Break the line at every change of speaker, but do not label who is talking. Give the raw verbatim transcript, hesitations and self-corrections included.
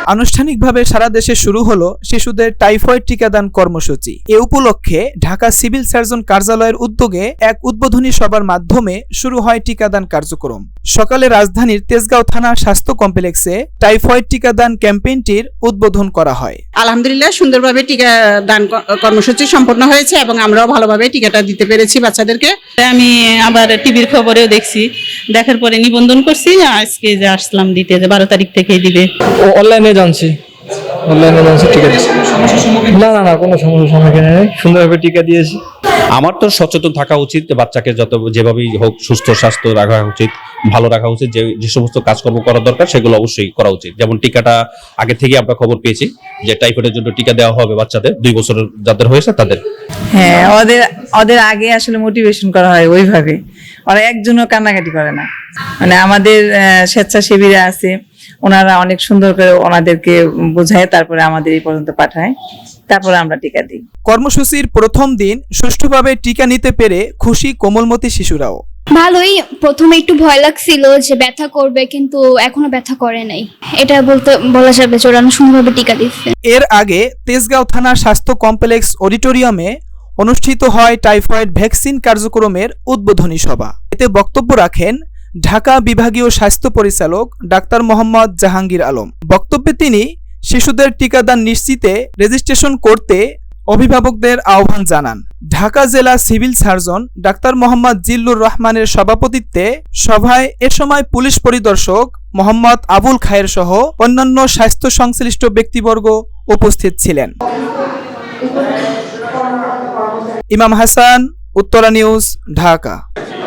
আনুষ্ঠানিকভাবে সারা দেশে শুরু হলো শিশুদের টাইফয়েড টিকাদান কর্মসূচি। এ উপলক্ষে ঢাকা সিভিল সার্জন কার্যালয়ের উদ্যোগে এক উদ্বোধনী সভার মাধ্যমে শুরু হয় টিকাদান কার্যক্রম। সকালে রাজধানীর তেজগাঁও থানা স্বাস্থ্য কমপ্লেক্সে টাইফয়েড টিকাদান ক্যাম্পেইনটির উদ্বোধন করা হয়।
আলহামদুলিল্লাহ সুন্দরভাবে টিকাদান কর্মসূচি সম্পন্ন হয়েছে এবং আমরাও ভালোভাবে টিকাটা দিতে পেরেছি বাচ্চাদেরকে।
আমি আবার টিভির খবরেও দেখছি, দেখার পরে নিবন্ধন করছি, আজকে যে আসলাম দিতে, যে বারো তারিখ থেকেই দিবে।
ও অনলাইনে জানছি, অনলাইনে জানছি টিকা দিচ্ছি। না না না কোনো সমস্যার সম্মুখীন নেই, সুন্দরভাবে টিকা দিয়েছি।
আমার তো সচেতন থাকা উচিত, বাচ্চাকে যত যেভাবেই হোক সুস্থ স্বাস্থ্য রাখা উচিত, ভালো রাখা উচিত। যে যে সমস্ত কাজকর্ম করা দরকার সেগুলো অবশ্যই করা উচিত। যেমন টিকাটা আগে থেকে আমরা খবর পেয়েছি যে টাইফয়েডের জন্য টিকা দেওয়া হবে বাচ্চাদের, দুই বছরের যাদের হয়েছে তাদের।
হ্যাঁ, ওদের ওদের আগে আসলে মোটিভেশন করা হয় ওইভাবে, ওরা একজনও কান্নাকাটি করে না। মানে আমাদের স্বেচ্ছাসেবীরা আছে, ওনারা অনেক সুন্দর করে ওনাদেরকে বোঝায়, তারপরে আমাদের এই পর্যন্ত পাঠায়, তারপরে আমরা টিকা দিই।
কর্মসূচির প্রথম দিন সুষ্ঠুভাবে টিকা নিতে পেরে খুশি কোমলমতি শিশুরাও।
ভালোই, প্রথমে একটু ভয় লাগছিল যে ব্যথা করবে, কিন্তু এখনো ব্যথা করে নাই, এটা বলতে বলা যাবে যে ওরা সুন্দরভাবে টিকা দিচ্ছে।
এর আগে তেজগাঁও থানা স্বাস্থ্য কমপ্লেক্স অডিটোরিয়ামে অনুষ্ঠিত হয় টাইফয়েড ভ্যাকসিন কার্যক্রমের উদ্বোধনী সভা। এতে বক্তব্য রাখেন ঢাকা বিভাগীয় স্বাস্থ্য পরিচালক ডাক্তার মোহাম্মদ জাহাঙ্গীর আলম। বক্তব্যে তিনি শিশুদের টিকাদান নিশ্চিতে রেজিস্ট্রেশন করতে অভিভাবকদের আহ্বান জানান। ঢাকা জেলা civil surgeon doctor Mohammad Zillur রহমানের সভাপতিত্বে সভায় এ সময় পুলিশ পরিদর্শক মোহাম্মদ আবুল খায়ের সহ অন্যান্য স্বাস্থ্য সংশ্লিষ্ট ব্যক্তিবর্গ উপস্থিত ছিলেন। ইমাম হাসান, উত্তরা নিউজ, ঢাকা।